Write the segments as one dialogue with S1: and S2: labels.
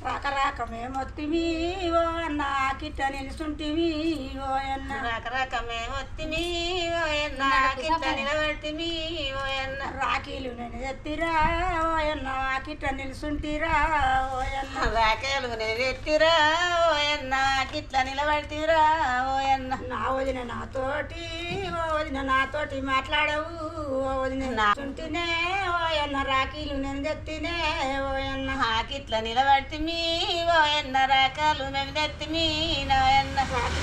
S1: రాక రాక మేమొత్తిమి ఓ అన్న కిట్ట నిలుసుంటివి ఓ అన్న
S2: రకరక మేమొత్తిమి ఓయన్న కిట్ట నిలబడితిమి ఓయన్న
S1: రాఖీలు నేను ఎత్తిరా ఓ అన్న కిట్ట నిలుసుంటిరా ఓ అన్న
S2: రాకేలు నేను ఎత్తిరా ఓయన్న కిట్ల నిలబడితిరా ఓయన్న
S1: నా వదిన నాతోటి ఓ వదిన నాతోటి మాట్లాడవు ఓ వదిన నాచుంటినే ఓ అన్న రాఖీలు నేను ఎత్తినే ఓ అన్న
S2: కిట్ల నిలబడితిమి ఓయన్న రాకాలు మేము తెత్తిమి నాయన్న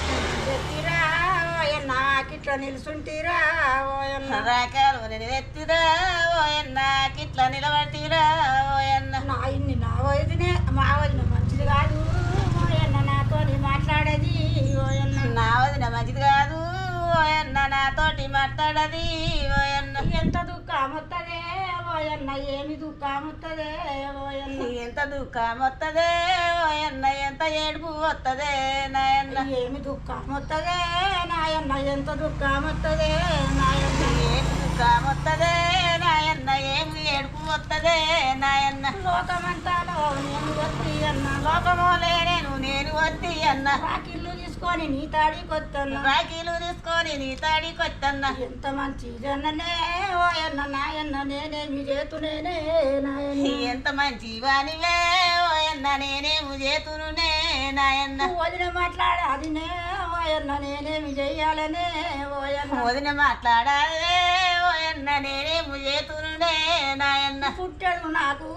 S1: ఎత్తిరా ఓ అన్న కిట్ల నిలుసుంటిరా ఓ అన్న
S2: రాకాలు నేను ఎత్తిరా ఓయన్న కిట్ల నిలబడితిరా ఓయన్న
S1: నా ఇన్ని నా వదినే మా వదిన మంచిది కాదు ఓ అన్న నాతోని మాట్లాడేది ఓ అన్న
S2: నా వదిన మంచిది కాదు ఓయన్న నాతోటి మాట్లాడది ఓయన్న
S1: ఎంత దుఃఖం వస్తుందే ఓయన్న ఏమి దుఃఖం వస్తుందే ఓయన్న
S2: ఎంత దుఃఖం వత్తదే ఓయన్న ఎంత ఏడుపు వత్తదే నాయన్న
S1: ఏమి దుఃఖం వస్తుందే నాయన్న ఎంత దుఃఖం వస్తుందే నాయన్న
S2: ఏమి దుఃఖం వత్తదే నాయన్న ఏమి ఏడుపు వత్తదే నాయన్న
S1: లోకమంతాలో నేను వత్తి అన్న
S2: లోకమోలే నేను వద్ది అన్న
S1: రాకిళ్ళు తీసుకొని నీ తాడి కొత్తన్న
S2: రాఖీలు తీసుకొని నీ తాడి కొత్తన్న
S1: ఎంత మంచి జననే ఓయన్న నాయన్న నేనేమి చేతునేనే నాయన్న
S2: ఎంత మంచి వానివే ఓయన్న నేనేము చేతునునే నాయన్న
S1: వదిన మాట్లాడాదినే ఓయన్న నేనేమి చెయ్యాలనే ఓయన్న
S2: వదిన మాట్లాడాలే ఓయన్న నేనేము చేతునునే నాయన్న
S1: పుట్టాడు నాకు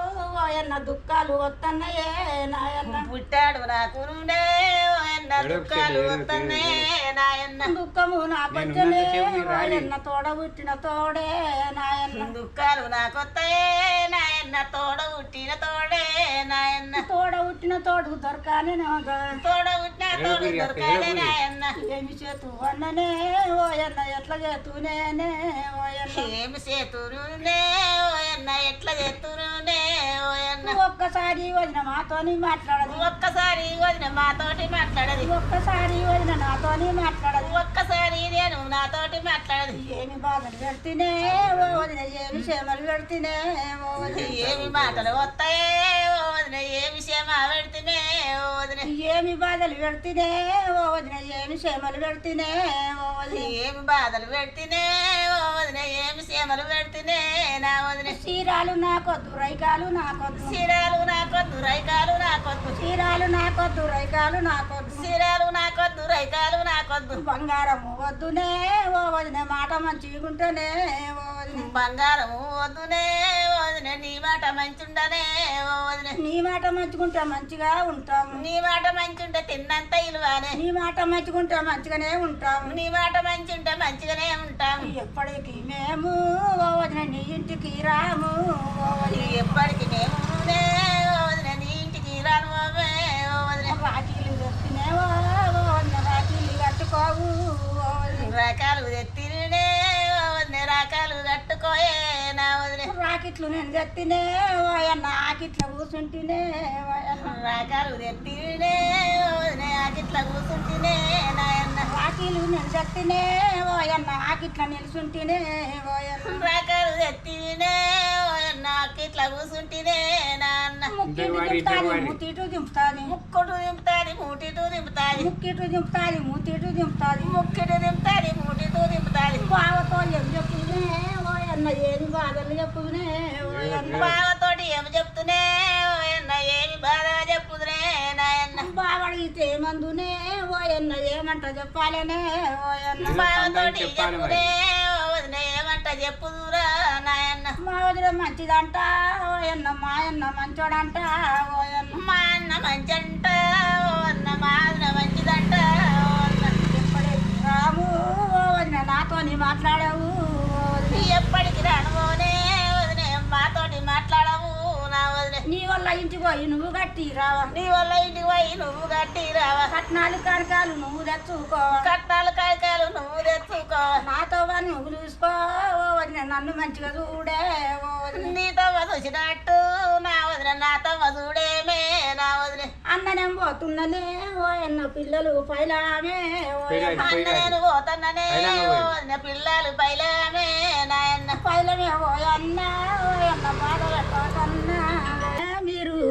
S1: ఓయన్న దుఃఖాలు వస్తున్నాయే నాయన్న
S2: పుట్టాడు నాకు నుండే ఓయన్న దుఃఖాలు వస్తనే నాయన్న
S1: దుఃఖము నాకొచ్చనే ఓయన్న తోడ పుట్టిన తోడే నాయన్న
S2: దుఃఖాలు నాకొత్తాయే నాయన్న తోడ పుట్టిన తోడే నాయన్న
S1: తోడ పుట్టిన తోడు దొరకానే
S2: తోడ పుట్టిన తోడు దొరకాలే నాయన్న
S1: ఏమి చేతు అన్ననే ఓయన్న ఎట్లా చేతునేనే ఓయన్న
S2: ఏమి చేతురునే ఓయన్న ఎట్లా చేతురునే ఓయన్న
S1: ఒక్కసారి వదిన మాతోని మాట్లాడదు
S2: ఒక్కసారి వదిన మాతోటి మాట్లాడది
S1: ఒక్కసారి వదిన నాతోని మాట్లాడదు
S2: ఒక్కసారి నేను నాతోటి మాట్లాడది
S1: ఏమి బాధలు పెడితేనే ఓ వదిన ఏమి క్షేమలు పెడితేనే ఓ వదిన
S2: ఏమి మాటలు వస్తాయే ఓ వదిన ఏమి క్షేమ పెడితేనే ఓ వదిన
S1: ఏమి బాధలు పెడితేనే ఓ వదిన ఏమి క్షేమలు పెడితేనే ఓ వదిన
S2: ఏమి బాధలు పెడితేనే ఓ వదిన ఏమి క్షేమలు పెడితేనే నా వదిన
S1: చీరాలు నాకొద్దు రైకాలు నాకొద్దు
S2: చీరాలు నాకొద్దు రైకాలు నాకొద్దు
S1: చీరాలు నాకొద్దు రైకాలు నాకొద్దు
S2: చీరాలు నాకొద్దు రైకాలు నాకొద్దు
S1: బంగారము వద్దునే ఓ వదిన మాట మంచిగుంటేనే ఓ వదిన
S2: బంగారం వద్దునే ఓ వదిన నీ మాట మంచుండనే ఓ వదిన
S1: నీ మాట మంచుకుంటే మంచిగా ఉంటాము
S2: నీ మాట మంచుంటే తిన్నంత ఇలువానే
S1: నీ మాట మంచుకుంటే మంచిగానే ఉంటాము
S2: నీ మాట మంచుంటే మంచిగానే ఉంటాం
S1: ఎప్పటికి మేము ఓ వదిన నీ ఇంటికి రాము ఓ వదిన
S2: ఎప్పటికి మేమునే ఓ వదిన నీ ఇంటికి రాను బాబే ఓ వదిన
S1: రాఖీలు తెచ్చినేవో ఓ వదిన రాఖీలు కట్టుకోవు ఓ వదిన
S2: రకాలు తెత్తినే ఓ వదిన రకాలు కట్టుకోయే నా వదిన
S1: రాకెట్లు నేను తెచ్చినే ఓ అన్న ఆకిట్ల కూర్చుంటేనే ఓ అన్న
S2: రకాలు తెత్తినే ఓ వదిన ఆకిట్లా కూర్చుంటేనే నాయన్న
S1: రాఖీలు నేను తెచ్చినే ఓ అన్న ఆకిట్ల నిలుచుంటేనే ఓ అన్న
S2: రకాలు తెత్తినే ఓ అన్న ఆకిట్లా కూర్చుంటేనే నాన్న
S1: ముక్కిటు దింపుతాది మూతిటు దింపుతాది
S2: ముక్కుడు దింపుతాది మూటిటు దింపుతాది
S1: ముక్కిటు దింపుతాది మూతిటు దింపుతాది
S2: ముక్కిడు దింపుతాది మూటిటు దింపుతాది
S1: బావతో ఏం చెప్పునే ఓ అన్న ఏమి బాధలు చెప్పునే ఓ అన్న
S2: బావతోటి ఏమి చెప్తునే ఓయన్న ఏమి బాధ చెప్పుదునే నాయన్న
S1: బావడిగితే ఏమందునే ఓ అన్న ఏమంట చెప్పాలనే ఓ అన్న
S2: బావతోటి చెప్పునే ఓ వదిన ఏమంట చెప్పుదురా నాయన్న
S1: మా వదిన మంచిదంట ఓ అన్న మా అన్న మంచోడంట ఓ అన్న
S2: మా అన్న మంచంట ఓ అన్న మా అన్న మంచిదంట ఓ అన్న
S1: ఎప్పటికి రాము ఓ వదిన నాతోని మాట్లాడావు ఓ వదిన
S2: ఎప్పటికి రానుకోనే వదిన మాతోటి మాట్లాడవు నా వదిన
S1: నీ వల్ల ఇంటికి పోయి నువ్వు గట్టి రావా
S2: నీ వల్ల ఇంటికి పోయి నువ్వు గట్టి రావా
S1: కట్నాలు కనకాలు నువ్వు తెచ్చుకోవా
S2: కట్నాలు కాయకాయలు నువ్వు తెచ్చుకో
S1: నాతో వాడిని నువ్వు చూసుకో ఓ వదిన నన్ను మంచిగా చూడే ఓ వదిన
S2: నీతో చూసినట్టు నా వదిన నాతో చూడేమే నా వదిన
S1: అన్ననేం పోతున్నలే ఓ అన్న పిల్లలు పైలామే ఓ అన్న.
S2: అన్న నేను పోతాననే ఓ వదిన పిల్లలు పైలామే నాయన్న
S1: పైలమే ఓ అన్న బాధ పెట్టకన్నా మీరు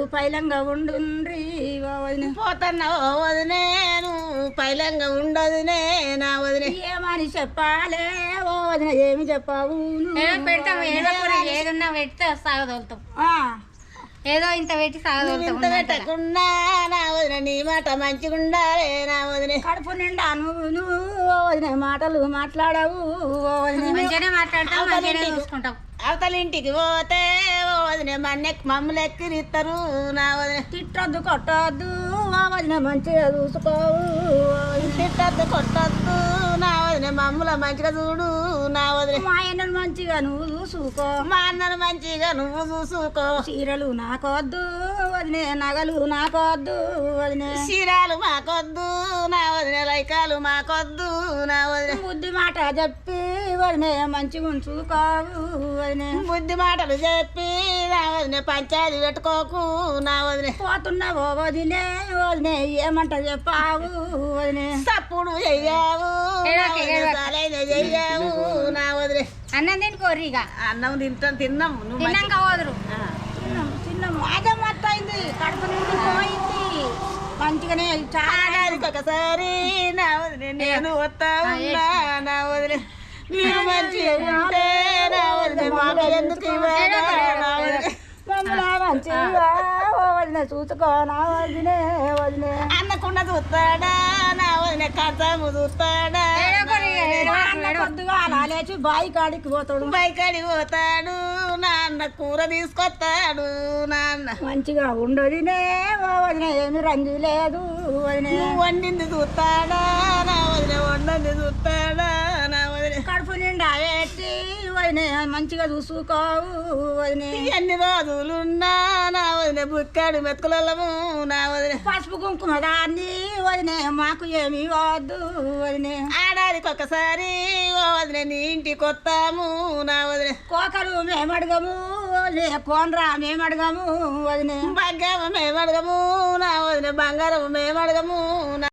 S1: పైలంగా ఉండుండ్రి ఓ వదిన
S2: పోతన్నా ఓ వదినే నువ్వు పైలంగా ఉండదునే నా వదినే
S1: ఏమని చెప్పాలే ఓ వదిన ఏమి చెప్పావు
S3: పెడతాం ఏదో ఏదన్నా పెడితే సాగదోలుతాం ఏదో ఇంత పెట్టి సాగదోలుతాం
S2: ఇంత పెట్టకుండా నా వదిన నీ మాట మంచిగుండాలే నా వదినే
S1: కడుపు నిండా నువ్వు ఓ వదిన మాటలు మాట్లాడవు ఓ వదిన
S3: మంచిగానే మాట్లాడతాం మంచిగానే చూసుకుంటాం
S2: అవతల ఇంటికి పోతే ఓ వదినే మమ్మల్ని ఎక్కిరిస్తారు నా వదిన
S1: తిట్టొద్దు కొట్టొద్దు ఓ వదిన మంచిగా చూసుకోవు
S2: తిట్టద్దు కొట్టద్దు నా వదిన మమ్మల్ని మంచిగా చూడు నా వదిన
S1: మా ఆయనను మంచిగా నువ్వు చూసుకో
S2: మా అన్నను మంచిగా నువ్వు చూసుకో
S1: చీరలు నాకొద్దు వదినే నగలు నాకొద్దు వదినే
S2: చీరాలు మాకొద్దు నా వదిన లైకాలు మాకొద్దు నా వదిన
S1: బుద్ధి మాట చెప్పి వదినే మంచిగా ఉంచుకోవు వదినే
S2: బుద్ధి మాటలు చెప్పి నా వదిన పంచాయతీ పెట్టుకోకు నా వదిన
S1: పోతున్నావో వదినే వదినే ఏమంట చెప్పావు వదినే
S2: తప్పుడు చెయ్యావు చెయ్యావు నా వదిలే
S3: అన్నం తిని కోర్రిగా
S2: అన్నం తిన్నాం నువ్వు
S3: తిన్నాక పోదురు
S1: చిన్న మాదే మొత్తం అయింది కడుపు నుండి పోయింది మంచిగానే చాలా
S2: ఆడాదికి ఒకసారి నా వదిలే నేను వస్తా ఉన్నా నా వదిలే మీరు మంచిగా ఉంటే నా వదిలే మాకు ఎందుకు ఇవ్వాలి నా వదిలే
S1: మమ్మల్ని మంచిగా ఓ వదినే చూసుకో నా వదినే వదినే
S2: అన్నకుండా చూస్తాడా నా వదిలే కథము చూస్తాడా
S1: కొద్దిగా అలా లేచి బాయి కాడికి పోతాడు
S2: బైకాడికి పోతాడు నాన్న కూర తీసుకొస్తాడు నాన్న
S1: మంచిగా ఉండదునే ఓ వదినే ఏమి రంగు లేదు వదినే
S2: నువ్వు వండింది చూస్తాడా నా వదిలే వండింది చూస్తాడా నా వదిలే
S1: కడుపు నిండా పెట్టి వదినే మంచిగా చూసుకోవు వదినే
S2: ఎన్ని రోజులున్నా నా వదిలే బుక్కాడు మెతుకులము నా వదిలే
S1: పసుపు కుంకుమ దాన్ని వదినే మాకు ఏమి వద్దు వదినే
S2: ఆడాదికి ఒకసారి ఓ వదిలే నీ ఇంటికి వస్తాము నా వదిలే
S1: కోకలు మేము అడగము వదినే కోనరా మేము అడగము వదినే
S2: భాగ్యము మేము అడగము నా వదిలే బంగారం మేము అడగము